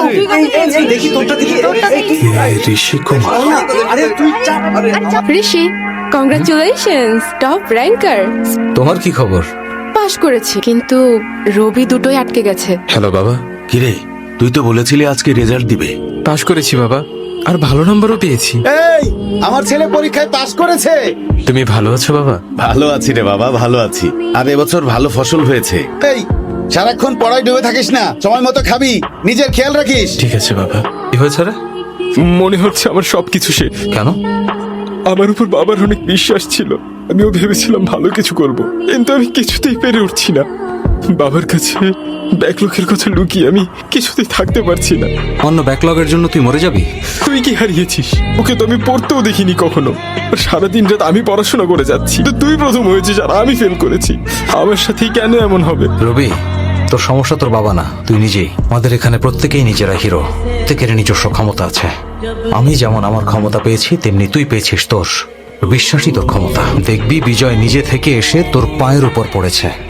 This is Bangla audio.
দেখি তোরটা দেখি। ঋষি কুমার। আরে তুই চাপ। Rishi, congratulations, top ranker. তোমার কি খবর? পাশ করেছি, কিন্তু রবি দুটোই আটকে গেছে। হ্যালো বাবা। কিরে, তুই তো বলেছিলি আজকে রেজাল্ট দিবে। পাশ করেছি বাবা, আর ভালো নম্বরও পেয়েছি। এই, আমার ছেলে পরীক্ষায় পাশ করেছে। তুমি ভালো আছো বাবা? ভালো আছি রে বাবা, ভালো আছি। আর এবছর ভালো ফসল হয়েছে। এই, সারাক্ষণ পড়ায় ডুবে থাকিস না, সময় মতো খাবি, নিজের খেয়াল রাখিস। ঠিক আছে বাবা। কি হয়েছে রে? মনে হচ্ছে আমার সবকিছু শেষ। কেন? আমার উপর বাবার অনেক বিশ্বাস ছিল, আমিও ভেবেছিলাম ভালো কিছু করব, কিন্তু আমি কিছুতেই পেরে উঠছি না। বাবার কাছে ব্যাকলগের কথা লুকিয়ে আমি কিছুতেই থাকতে পারছি না। অন্য ব্যাকলগের জন্য তুই মরে যাবি? তুই কি হারিয়েছিস? ওকে তো আমি পড়তেও দেখিনি কখনো। আর সারাদিন রাত আমি পড়াশোনা করে যাচ্ছি, তো তুই প্রথম হয়েছিস আর আমি ফেল করেছি। আমার সাথেই কেন এমন হবে? রবি, তোর সমস্যা তোর বাবা না, তুই নিজেই। আমাদের এখানে প্রত্যেকেই নিজেরা হিরো, প্রত্যেকের নিজস্ব ক্ষমতা আছে। আমি যেমন আমার ক্ষমতা পেয়েছি, তেমনি তুই পেয়েছিস তোর। বিশ্বাসই তোর ক্ষমতা। দেখবি বিজয় নিজে থেকে এসে তোর পায়ের উপর পড়েছে।